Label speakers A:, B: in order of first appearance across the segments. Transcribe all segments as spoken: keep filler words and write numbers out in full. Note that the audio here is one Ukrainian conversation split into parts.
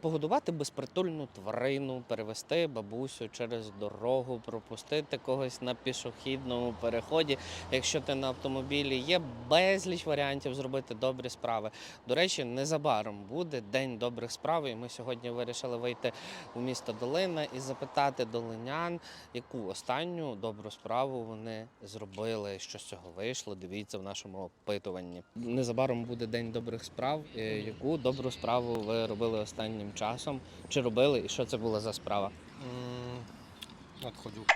A: Погодувати безпритульну тварину, перевести бабусю через дорогу, пропустити когось на пішохідному переході. Якщо ти на автомобілі, є безліч варіантів зробити добрі справи. До речі, незабаром буде День добрих справ, і ми сьогодні вирішили вийти у місто Долина і запитати долинян, яку останню добру справу вони зробили, що з цього вийшло. Дивіться в нашому опитуванні. Незабаром буде День добрих справ. Яку добру справу ви робили останнім часом? Чи робили і що це була за справа?
B: Надходжу.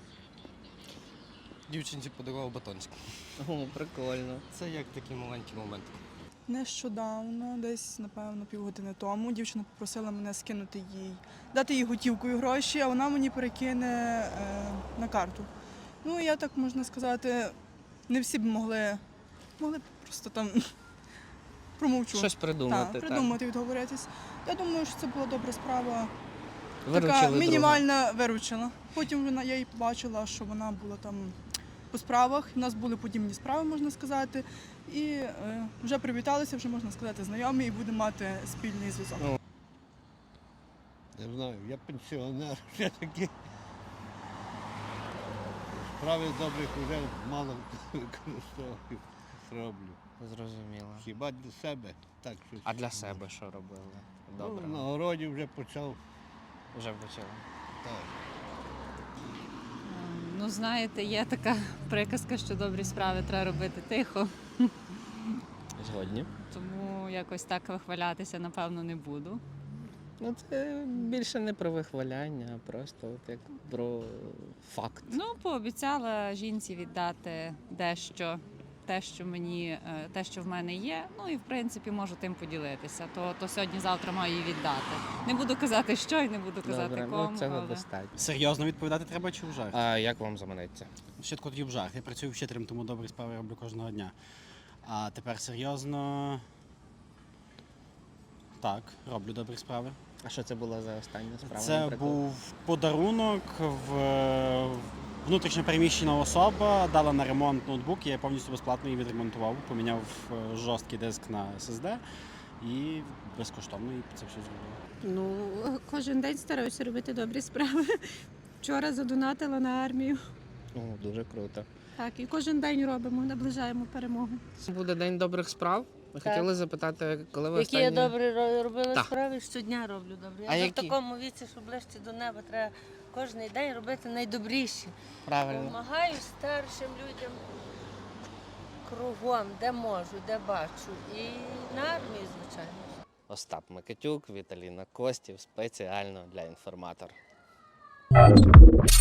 B: Дівчинці подарував батончик.
A: О, прикольно.
B: Це як такий маленький момент.
C: Нещодавно, десь, напевно, півгодини тому, дівчина попросила мене скинути їй, дати їй готівкою гроші, а вона мені перекине е, на карту. Ну, я так, можна сказати, не всі б могли, могли б просто там промовчу.
A: Щось придумати.
C: Так,
A: так.
C: придумати, відговоритись. Я думаю, що це була добра справа.
A: Виручили
C: Така
A: друга.
C: мінімальна виручила. Потім вона, я їй побачила, що вона була там по справах. У нас були подібні справи, можна сказати. І е, вже привіталися, вже, можна сказати, знайомі і будемо мати спільний зв'язок.
D: Не знаю, я пенсіонер все-таки. Справи добрих вже мало використовую, роблю.
A: Зрозуміло.
D: Хіба для себе так щось.
A: А для себе що робили? Добре.
D: Ну, на городі вже почав.
A: Вже почали.
D: Так.
E: Ну, знаєте, є така приказка, що добрі справи треба робити тихо,
A: Згодні.
E: тому якось так вихвалятися, напевно, не буду.
A: Ну, це більше не про вихваляння, а просто от як про факт.
E: Ну, пообіцяла жінці віддати дещо, те, що мені, е, те, що в мене є. Ну і в принципі можу тим поділитися. То, то сьогодні-завтра маю її віддати. Не буду казати, що і не буду казати
A: Добре,
E: кому.
A: ну цього
E: але...
A: достатньо.
F: Серйозно відповідати треба чи в жарт?
A: А як вам заманеться?
F: Спочатку тоді в жарт. Я працюю вчителем, тому добрі справи роблю кожного дня. А тепер серйозно. Так, роблю добрі справи.
A: А що це була за остання справа?
F: Це
A: наприклад?
F: був подарунок в внутрішньо переміщена особа, дала на ремонт ноутбук, я повністю безплатно її відремонтував, поміняв е, жорсткий диск на ес ес ді і безкоштовно їй це все зробив.
G: Ну, кожен день стараюся робити добрі справи. Вчора задонатила на армію.
A: О, дуже круто.
G: Так, і кожен день робимо, наближаємо перемогу.
A: Це буде День добрих справ. Ми
H: Так.
A: хотіли запитати, коли ви
H: Які
A: останні...
H: я добре ро- робила
A: Так.
H: справи, щодня роблю добре. Я
A: А
H: вже
A: які?
H: в такому віці, що ближче до неба, треба кожен день робити найдобріші.
A: Правильно.
H: Помагаю старшим людям кругом, де можу, де бачу. І на армії, звичайно.
A: Остап Микитюк, Віталіна Костів, спеціально для інформатор.